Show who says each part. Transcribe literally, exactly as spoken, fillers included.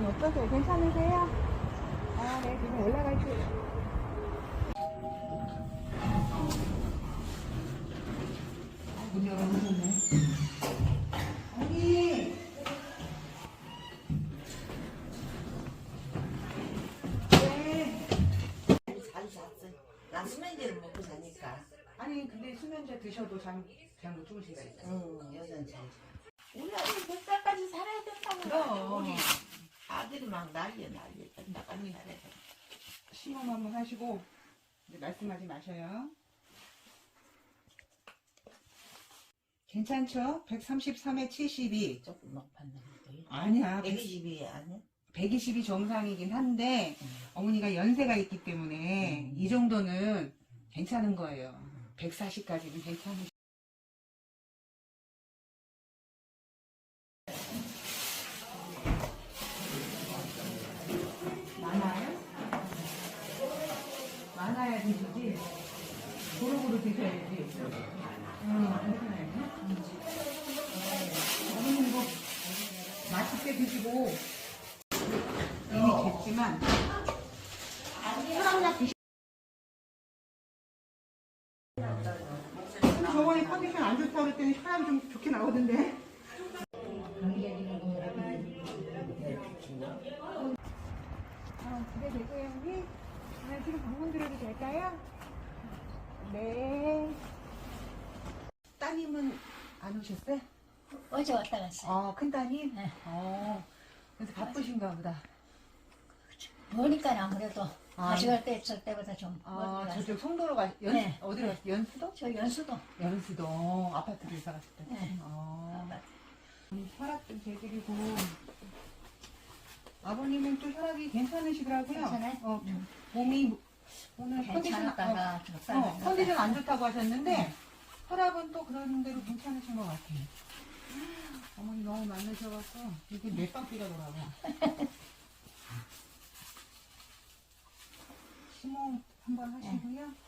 Speaker 1: 어떠세요? 괜찮으세요? 아, 네, 지금 올라갈게요. 문 열어놓으셨네. 언니! 네.
Speaker 2: 잘 잤어. 난 수면제를 먹고 자니까.
Speaker 1: 아니, 근데 수면제 드셔도 잠, 잘 못 주무신다 했어.
Speaker 2: 응, 여자는 잘 자. 우리 아들 몇 살까지 살아야 된다고.
Speaker 1: 그럼.
Speaker 2: 우리 아들이 막 난리야, 난리야. 나까지 살아야 돼.
Speaker 1: 시험 한번 하시고, 이제 말씀하지 마셔요. 괜찮죠? 백삼십삼에 칠십이.
Speaker 2: 조금 높았는데.
Speaker 1: 아니야.
Speaker 2: 백이십이 아니야?
Speaker 1: 백이십이 정상이긴 한데,
Speaker 2: 응.
Speaker 1: 어머니가 연세가 있기 때문에,
Speaker 2: 음.
Speaker 1: 이 정도는 괜찮은 거예요. 백사십까지는 괜찮으시 많아요? 많아야 드시지. 고루고루 드셔야지. 응, 괜찮아요. 어머님 이거 맛있게 드시고, 이미 됐지만, 사랑약 드시 저번에 컨디션 안 좋다고 그랬더니 사람 좀 좋게 나오던데. 어, 집에 계세요, 형님? 아, 지금 방문 드려도 될까요? 네. 따님은 안 오셨어요?
Speaker 3: 어제 왔다 갔어요.
Speaker 1: 어, 큰 따님?
Speaker 3: 네.
Speaker 1: 어, 그래서 바쁘신가 보다.
Speaker 3: 보니까 아무래도
Speaker 1: 아,
Speaker 3: 가져갈 때 있을 때보다 좀
Speaker 1: 아,
Speaker 3: 멀리 갔어요.
Speaker 1: 저쪽 송도로 가, 연,
Speaker 3: 네.
Speaker 1: 어디로 갔어요? 연수도?
Speaker 3: 저 연수도
Speaker 1: 연수도. 아파트로 이사 갔을 때.
Speaker 3: 네.
Speaker 1: 어.
Speaker 3: 아파트.
Speaker 1: 음, 혈압 좀 재드리고. 아버님은 또 혈압이 괜찮으시더라고요.
Speaker 3: 괜찮아요?
Speaker 1: 어,
Speaker 3: 음.
Speaker 1: 몸이 오늘 컨디션, 어,
Speaker 3: 괜찮았다가 좀
Speaker 1: 어,
Speaker 3: 쌀
Speaker 1: 컨디션 안 좋다고 하셨는데 혈압은 또 그런 대로 괜찮으신 것 같아요. 어머니 너무 많으셔갖고 이게 몇 바퀴가 돌아가. 심호흡 한번 하시고요.